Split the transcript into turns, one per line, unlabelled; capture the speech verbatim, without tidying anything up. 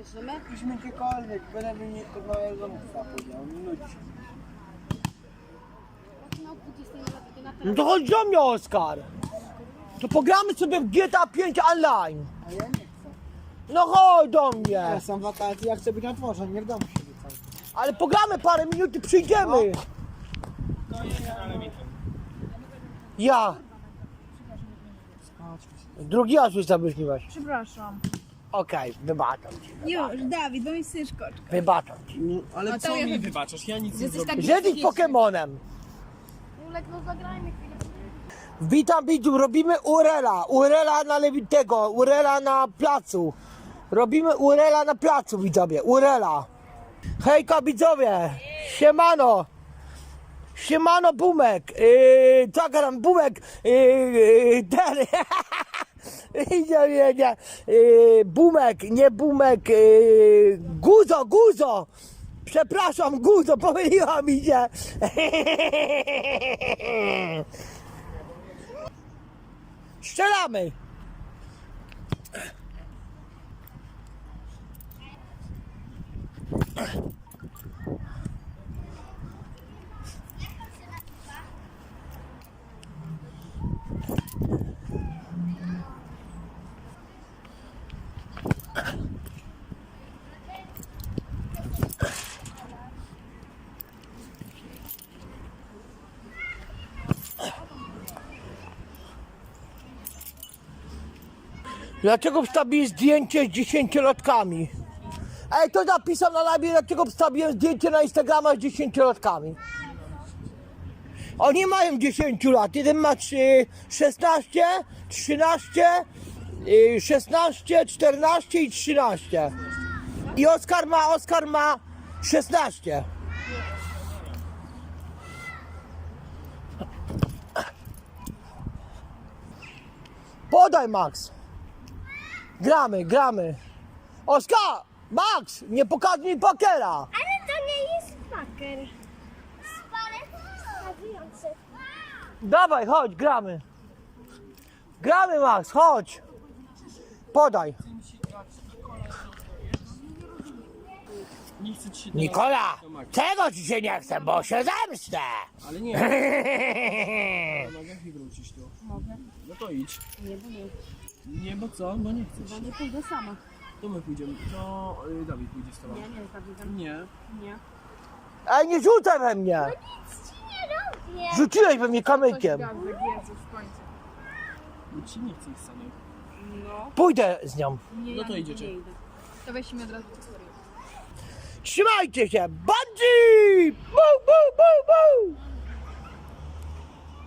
Możemy?
Idźmy gdziekolwiek, byleby nie do małego musa powiedział, nie nudzi się.
No, dwudziestej na
No to chodź do mnie, Oskar. To pogramy sobie w G T A pięć online.
A ja nie chcę.
No chodź do mnie.
Ja są wakacje, ja chcę być na dworze, nie w domu siedzieć cały czas.
Ale pogramy parę minut i przyjdziemy. Ja. Drugi raz już zabrzmiłeś.
Przepraszam.
Okej, wybaczam ci.
Już, Dawid, bo mi syszkoczka.
Wybaczam ci.
No, ale
No to
co
ja-
mi wybaczasz? Ja nic nie
Jesteś
zrobiłem.
taki
Żedyć Pokemonem.
Julek, no zagrajmy chwilę.
Witam widzów, robimy Urela. Urela na Lewitego, Urela na placu. Robimy Urela na placu, widzowie. Urela. Hejka, widzowie. Siemano. Siemano, Bumek. Yy, co gram, Bumek. Yy, yy, ten. nie, nie, nie. Yy, Bumek, nie Bumek. Yy, Guzo, Guzo. Przepraszam, Guzo, pomyliła mi się. Strzelamy! Dlaczego wstawiłem zdjęcie z dziesięciolatkami? Ej, to napisał na live, dlaczego wstawiłem zdjęcie na Instagrama z dziesięciolatkami. Oni mają dziesięć lat, jeden ma trzy, szesnaście, trzynaście, y, szesnaście, czternaście i trzynaście. I Oskar ma, Oskar ma szesnaście. Podaj, Max. Gramy, gramy. Oskar! Max! Nie pokazuj mi pokera!
Ale to nie jest paker. Spalec wskazujący.
Dawaj, chodź, gramy. Gramy, Max, chodź. Podaj.
Nie chcę ci się
Nikola!
teraz-
Czego ci się nie chce, bo się zemstę!
Ale nie. Mogę i wrócić tu.
Mogę.
No to idź.
Nie, bo nie.
Nie, bo co? Bo nie chcesz.
Nie pójdę sama.
To my pójdziemy. To y, Dawid pójdzie z tobą.
Nie, nie, Dawidem.
Nie.
Nie.
Ej, nie rzucaj we mnie!
Nic ci nie robię.
Rzuciłeś we mnie kamykiem.
Gazek, Jezus, w końcu.
No ci nie chce ich samych.
No.
Pójdę z nią.
Nie,
No to
ja
idziecie.
Nie idę. To weź mi od razu historię.
Trzymajcie się! Bungee! Bum,